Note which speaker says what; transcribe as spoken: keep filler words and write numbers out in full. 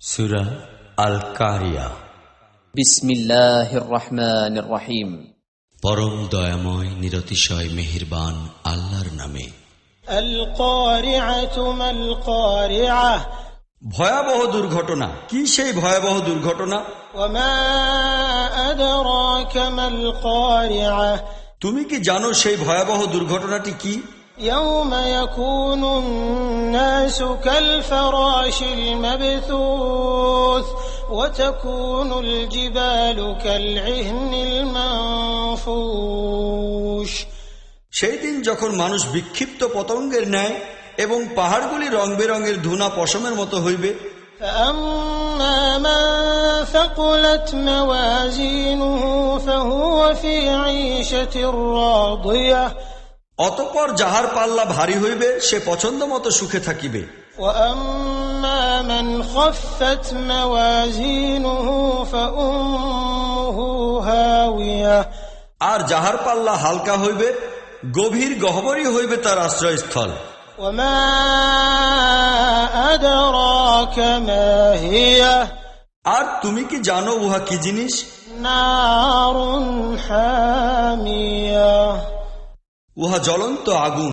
Speaker 1: সূরা আল কারিয়া।
Speaker 2: বিসমিল্লাহির রহমানির রহিম।
Speaker 1: পরম দয়াময় নিরতিশয় মেহেরবান আল্লাহর নামে।
Speaker 3: আল কারিআতু মাল কারিআহ,
Speaker 4: ভয়াবহ দুর্ঘটনা। কি সেই ভয়াবহ দুর্ঘটনা?
Speaker 3: ওয়া মা আদরাকা মাল কারিআহ,
Speaker 4: তুমি কি জানো সেই ভয়াবহ দুর্ঘটনাটি কি?
Speaker 3: ইয়াউমা ইয়াকুনুন নাসু কাল ফারাশিল মাবথুস ওয়া তাকুনুল জিবালু কাল ইহনিল মানফুশ।
Speaker 4: সেই দিন যখন মানুষ বিক্ষিপ্ত পতঙ্গের ন্যায় এবং পাহাড়গুলি রং বেরঙের ধুনা পশমের মতো হইবে।
Speaker 3: فأما من ثقلت موازينه فهو في عيشة راضية
Speaker 4: অতঃপর যাহার পাল্লা ভারী হইবে সে পছন্দ মতো সুখে থাকিবে।
Speaker 3: وأما من خفت موازينه فأمه هاوية
Speaker 4: আর যাহার পাল্লা হালকা হইবে গভীর গহ্বরই হইবে তার আশ্রয়স্থল।
Speaker 3: وما أدراك ما هي,
Speaker 4: আর তুমি কি জানো উহা কি জিনিস?
Speaker 3: نار حامية,
Speaker 4: উহা জ্বলন্ত আগুন।